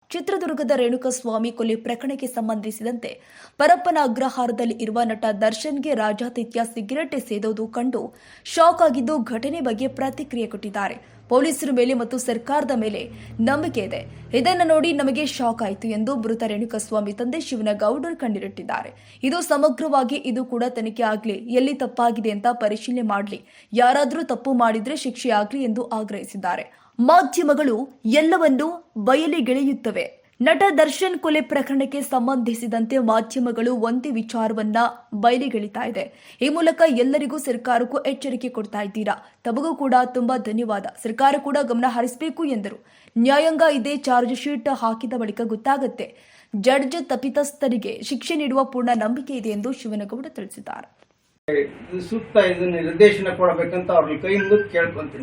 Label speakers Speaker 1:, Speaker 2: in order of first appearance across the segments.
Speaker 1: ಚಿತ್ರದುರ್ಗದ ರೇಣುಕಸ್ವಾಮಿ ಕೊಲೆ ಪ್ರಕರಣಕ್ಕೆ ಸಂಬಂಧಿಸಿದಂತೆ ಪರಪ್ಪನ ಅಗ್ರಹಾರದಲ್ಲಿ ಇರುವ ನಟ ದರ್ಶನ್ಗೆ ರಾಜಾತಿಥ್ಯ ಸಿಗರೆಟ್ ಸೇದೋದು ಕಂಡು ಶಾಕ್ ಆಗಿದ್ದು ಘಟನೆ ಬಗ್ಗೆ ಪ್ರತಿಕ್ರಿಯೆ ಕೊಟ್ಟಿದ್ದಾರೆ. ಪೊಲೀಸರ ಮೇಲೆ ಮತ್ತು ಸರ್ಕಾರದ ಮೇಲೆ ನಂಬಿಕೆ ಇದೆ. ಇದನ್ನು ನೋಡಿ ನಮಗೆ ಶಾಕ್ ಆಯಿತು ಎಂದು ಮೃತ ರೇಣುಕಸ್ವಾಮಿ ತಂದೆ ಶಿವನಗೌಡರು ಕಣ್ಣೀರಿಟ್ಟಿದ್ದಾರೆ. ಇದು ಸಮಗ್ರವಾಗಿ ಇದು ಕೂಡ ತನಿಖೆ ಆಗಲಿ, ಎಲ್ಲಿ ತಪ್ಪಾಗಿದೆ ಅಂತ ಪರಿಶೀಲನೆ ಮಾಡಲಿ, ಯಾರಾದರೂ ತಪ್ಪು ಮಾಡಿದ್ರೆ ಶಿಕ್ಷೆ ಆಗಲಿ ಎಂದು ಆಗ್ರಹಿಸಿದ್ದಾರೆ. ಮಾಧ್ಯಮಗಳು ಎಲ್ಲವನ್ನೂ ಬಯಲಿಗೆಳೆಯುತ್ತವೆ. ನಟ ದರ್ಶನ್ ಕೊಲೆ ಪ್ರಕರಣಕ್ಕೆ ಸಂಬಂಧಿಸಿದಂತೆ ಮಾಧ್ಯಮಗಳು ಒಂದೇ ವಿಚಾರವನ್ನ ಬಯಲಿಗೆಳಿತಾ ಇದೆ. ಈ ಮೂಲಕ ಎಲ್ಲರಿಗೂ ಸರ್ಕಾರಕ್ಕೂ ಎಚ್ಚರಿಕೆ ಕೊಡ್ತಾ ಇದ್ದೀರಾ. ತಮಗೂ ಕೂಡ ತುಂಬಾ ಧನ್ಯವಾದ. ಸರ್ಕಾರ ಕೂಡ ಗಮನ ಹರಿಸಬೇಕು ಎಂದರು. ನ್ಯಾಯಾಂಗ ಇದೇ ಚಾರ್ಜ್ ಶೀಟ್ ಹಾಕಿದ ಬಳಿಕ ಗೊತ್ತಾಗುತ್ತೆ. ಜಡ್ಜ್ ತಪ್ಪಿತಸ್ಥರಿಗೆ ಶಿಕ್ಷೆ ನೀಡುವ ಪೂರ್ಣ ನಂಬಿಕೆ ಇದೆ ಎಂದು ಶಿವನಗೌಡ ತಿಳಿಸಿದ್ದಾರೆ.
Speaker 2: ಸೂಕ್ತ ಇದನ್ನ ನಿರ್ದೇಶನ ಕೊಡಬೇಕಂತ ಅವ್ರಿಗೆ ಕೈ ಮುಗಿದು ಕೇಳ್ಕೊಂತೀನಿ.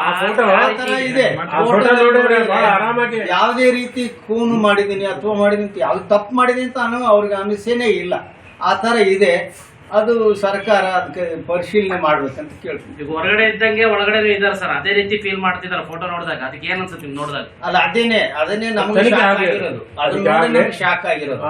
Speaker 2: ಯಾವುದೇ ರೀತಿ ಖೂನು ಮಾಡಿದೀನಿ ಅಥವಾ ಮಾಡಿದೀನಿ ಯಾವ್ದು ತಪ್ಪು ಮಾಡಿದೀನಿ ಅಂತ ಅವ್ರಿಗೆ ಅನಿಸೇನೆ ಇಲ್ಲ. ಆ ತರ ಇದೆ. ಅದು ಸರ್ಕಾರ ಅದಕ್ಕೆ ಪರಿಶೀಲನೆ ಮಾಡ್ಬೇಕಂತ ಕೇಳ್ತೀನಿ.
Speaker 3: ಈಗ ಹೊರಗಡೆ ಇದ್ದಂಗೆ ಒಳಗಡೆ ಇದಾರೆ ಸರ್, ಅದೇ ರೀತಿ ಫೀಲ್ ಮಾಡ್ತಿದ್ದಾರೆ ಫೋಟೋ ನೋಡಿದಾಗ. ಅದಕ್ಕೆ ಏನ್ ಅನ್ಸುತ್ತೆ ನೋಡಿದಾಗ?
Speaker 2: ಅಲ್ಲ ಅದನ್ನೇ ನಮ್ಗೆ ಶಾಕ್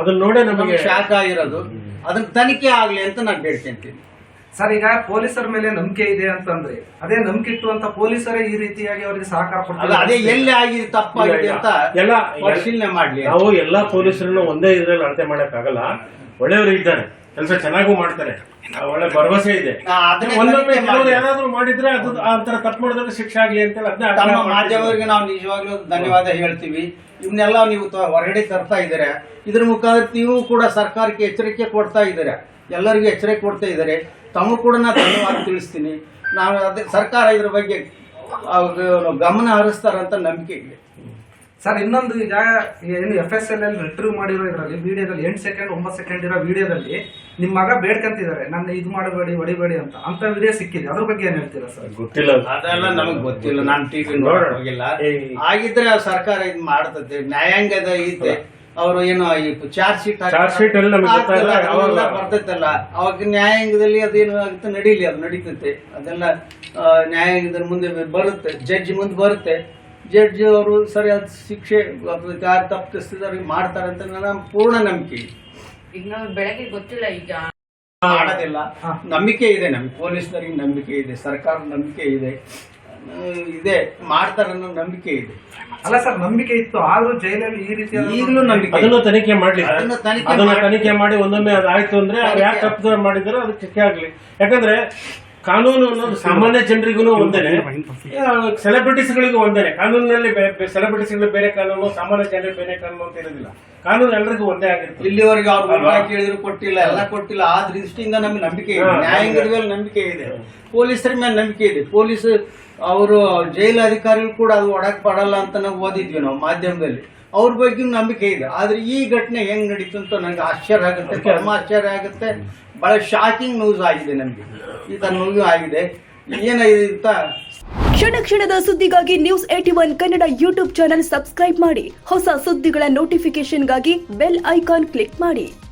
Speaker 2: ಆಗಿರೋದು. ಅದನ್ನ ತನಿಖೆ ಆಗ್ಲಿ ಅಂತ ನಾನು ಬೇಡ್ಕೊಂತೀನಿ
Speaker 4: ಸರ್. ಈಗ ಪೊಲೀಸರ ಮೇಲೆ ನಂಬಿಕೆ ಇದೆ ಅಂತಂದ್ರೆ ಅದೇ ನಂಬಿಕೆ ಇಟ್ಟುವಂತ ಪೊಲೀಸರೇ ಈ ರೀತಿಯಾಗಿ ಅವರಿಗೆ ಸಹಕಾರ ಕೊಡ್ತಾರೆ.
Speaker 2: ಅದೇ ಎಲ್ಲಿ ಆಗಿದೆ ತಪ್ಪಾಗಿದೆ ಅಂತ ಎಲ್ಲ ಪರಿಶೀಲನೆ ಮಾಡ್ಲಿ.
Speaker 5: ನಾವು ಎಲ್ಲಾ ಪೊಲೀಸರನ್ನು ಒಂದೇ ಇದ್ರಲ್ಲಿ ಅಳತೆ ಮಾಡಕ್ ಆಗಲ್ಲ. ಒಳ್ಳೆಯವರು ಇದ್ದಾರೆ, ಕೆಲಸ ಚೆನ್ನಾಗೂ ಮಾಡ್ತಾರೆ, ಒಳ್ಳೆ ಭರವಸೆ ಇದೆ. ಒಂದೊಮ್ಮೆ ಯಾರಾದ್ರೂ ಮಾಡಿದ್ರೆ ಅದು ಆತರ ತಪ್ಪು ಮಾಡಿದ್ರೆ ಶಿಕ್ಷೆ ಆಗ್ಲಿ ಅಂತ
Speaker 2: ತಮ್ಮ ಮಾಧ್ಯಮರಿಗೆ ನಾವು ನಿಜವಾಗ್ಲೂ ಧನ್ಯವಾದ ಹೇಳ್ತೀವಿ. ಇವನ್ನೆಲ್ಲ ನೀವು ಹೊರಗಡೆ ತರ್ತಾ ಇದ್ದಾರೆ. ಇದ್ರ ಮುಖಾಂತರ ನೀವು ಕೂಡ ಸರ್ಕಾರಕ್ಕೆ ಎಚ್ಚರಿಕೆ ಕೊಡ್ತಾ ಇದ್ದಾರೆ, ಎಲ್ಲರಿಗೂ ಎಚ್ಚರಿಕೆ ಕೊಡ್ತಾ ಇದ್ದಾರೆ. ತಮಗೂ ಕೂಡ ನಾನು ಧನ್ಯವಾದ ತಿಳಿಸ್ತೀನಿ. ನಾನು ಅದೇ ಸರ್ಕಾರ ಇದ್ರ ಬಗ್ಗೆ ಗಮನ ಹರಿಸ್ತಾರಂತ ನಂಬಿಕೆ ಇದೆ
Speaker 4: ಸರ್. ಇನ್ನೊಂದು ಈಗ ಏನು FSL ರಿಟ್ರೀವ್ ಮಾಡಿರೋ ಇದರಲ್ಲಿ ವಿಡಿಯೋದಲ್ಲಿ 8 ಸೆಕೆಂಡ್ 9 ಸೆಕೆಂಡ್ ಇರೋ ವಿಡಿಯೋದಲ್ಲಿ ನಿಮ್ಮ ಮಗ ಬೇಡ್ಕಂತಿದ್ದಾರೆ, ನನ್ನ ಇದು ಮಾಡಬೇಡಿ ಹೊಡಿಬೇಡಿ ಅಂತ ವಿಡಿಯೋ ಸಿಕ್ಕಿದೆ. ಅದ್ರ ಬಗ್ಗೆ ಏನ್ ಹೇಳ್ತೀರಾ ಸರ್?
Speaker 5: ಗೊತ್ತಿಲ್ಲ,
Speaker 2: ಅದೆಲ್ಲ ನಮಗ್ ಗೊತ್ತಿಲ್ಲ. ನಾನು ಟಿವಿ ನೋಡಕ್ ಹೋಗಿಲ್ಲ. ಆಗಿದ್ರೆ ಸರ್ಕಾರ ಇದ್ ಮಾಡ್ತದೆ, ನ್ಯಾಯಾಂಗದ ಇದೆ. ಅವರು ಏನು ಚಾರ್ಜ್ ಶೀಟ್ ಬರ್ತೈತಲ್ಲ, ಅವಾಗ ನ್ಯಾಯಾಂಗದಲ್ಲಿ ಅದೇನು ಆಗುತ್ತೆ ನಡೀಲಿ, ಅದು ನಡೀತೈತೆ. ಅದೆಲ್ಲ ನ್ಯಾಯಾಂಗದ ಮುಂದೆ ಬರುತ್ತೆ, ಜಡ್ಜ್ ಮುಂದೆ ಬರುತ್ತೆ. ಜಡ್ಜ್ ಅವರು ಸರಿಯಾದ ಶಿಕ್ಷೆ ಯಾರು ತಪ್ಪಿಸ್ತಿದ್ದಾರೆ ಮಾಡ್ತಾರೆ ಅಂತ ನನ್ನ ಪೂರ್ಣ ನಂಬಿಕೆ ಇದೆ.
Speaker 6: ಈಗ ನಾವು ಬೆಳಗ್ಗೆ ಗೊತ್ತಿಲ್ಲ, ಈಗ
Speaker 2: ಮಾಡೋದಿಲ್ಲ. ನಂಬಿಕೆ ಇದೆ ನಮ್ಗೆ, ಪೊಲೀಸರಿಗೆ ನಂಬಿಕೆ ಇದೆ, ಸರ್ಕಾರದ ನಂಬಿಕೆ ಇದೆ, ಮಾಡ್ತಾರೆ ಅನ್ನೋ ನಂಬಿಕೆ ಇದೆ.
Speaker 4: ಅಲ್ಲ ಸರ್, ನಂಬಿಕೆ ಇತ್ತು, ಆದ್ರೂ ಜೈಲಲ್ಲಿ ಈ ರೀತಿ
Speaker 2: ಈಗಲೂ ನಂಬಿಕೆ.
Speaker 5: ಅದನ್ನು ತನಿಖೆ ಮಾಡ್ಲಿ, ತನಿಖೆ ಮಾಡಿ ಒಂದೊಮ್ಮೆ ಅದಾಯ್ತು ಅಂದ್ರೆ ಯಾರು ತಪ್ಪು ಮಾಡಿದಾರೋ ಅದಕ್ಕೆ ಶಿಕ್ಷೆ ಆಗ್ಲಿ. ಯಾಕಂದ್ರೆ ಕಾನೂನು ಅನ್ನೋದು ಸಾಮಾನ್ಯ ಜನರಿಗೂ ಒಂದೇನೆ, ಸೆಲೆಬ್ರಿಟೀಸ್ಗಳಿಗೂ ಒಂದೇನೆ. ಕಾನೂನಿನಲ್ಲಿ ಸೆಲೆಬ್ರಿಟೀಸ್ಗಳಿಗೆ ಬೇರೆ ಕಾನೂನು, ಸಾಮಾನ್ಯ ಜನರಿಗೆ ಬೇರೆ ಕಾನೂನು ಅಂತ ಇರೋದಿಲ್ಲ. ಕಾನೂನು ಎಲ್ಲರಿಗೂ ಒಂದೇ ಆಗಿರುತ್ತೆ.
Speaker 2: ಇಲ್ಲಿವರೆಗೆ ಅವ್ರು ಕೇಳಿದ್ರು ಕೊಟ್ಟಿಲ್ಲ, ಎಲ್ಲ ಕೊಟ್ಟಿಲ್ಲ. ಆ ದೃಷ್ಟಿಯಿಂದ ನಮ್ಗೆ ನಂಬಿಕೆ ಇದೆ, ನ್ಯಾಯಾಂಗದ ಮೇಲೆ ನಂಬಿಕೆ ಇದೆ, ಪೊಲೀಸರ ಮೇಲೆ ನಂಬಿಕೆ ಇದೆ. ಪೊಲೀಸ್ ಅವರು ಜೈಲು ಅಧಿಕಾರಿಗಳು ಕೂಡ ಅದು ಒಡಕ್ ಪಡಲ್ಲ ಅಂತ ನಾವು ಓದಿದ್ವಿ ನಾವು ಮಾಧ್ಯಮದಲ್ಲಿ. ಅವ್ರ ಬಗ್ಗೆ ನಂಬಿಕೆ ಇದೆ. ಆದ್ರೆ ಈ ಘಟನೆ ಹೆಂಗ್ ನಡೀತು ಅಂತ ನಂಗೆ ಆಶ್ಚರ್ಯ ಆಗುತ್ತೆ, ಪರಮ ಆಶ್ಚರ್ಯ ಆಗುತ್ತೆ. ಬಹಳ ಶಾಕಿಂಗ್ ನ್ಯೂಸ್ ಆಗಿದೆ ನಮ್ಗೆ, ಈ ತರ ನ್ಯೂಸ್ ಆಗಿದೆ. ಏನಾಗಿದೆ ಅಂತ
Speaker 1: ಕ್ಷಣ ಕ್ಷಣದ ಸುದ್ದಿಗಾಗಿ News81 Kannada YouTube channel subscribe ಮಾಡಿ. ಹೊಸ ಸುದ್ದಿಗಳ ನೋಟಿಫಿಕೇಶನ್ಗಾಗಿ ಬೆಲ್ ಐಕಾನ್ ಕ್ಲಿಕ್ ಮಾಡಿ.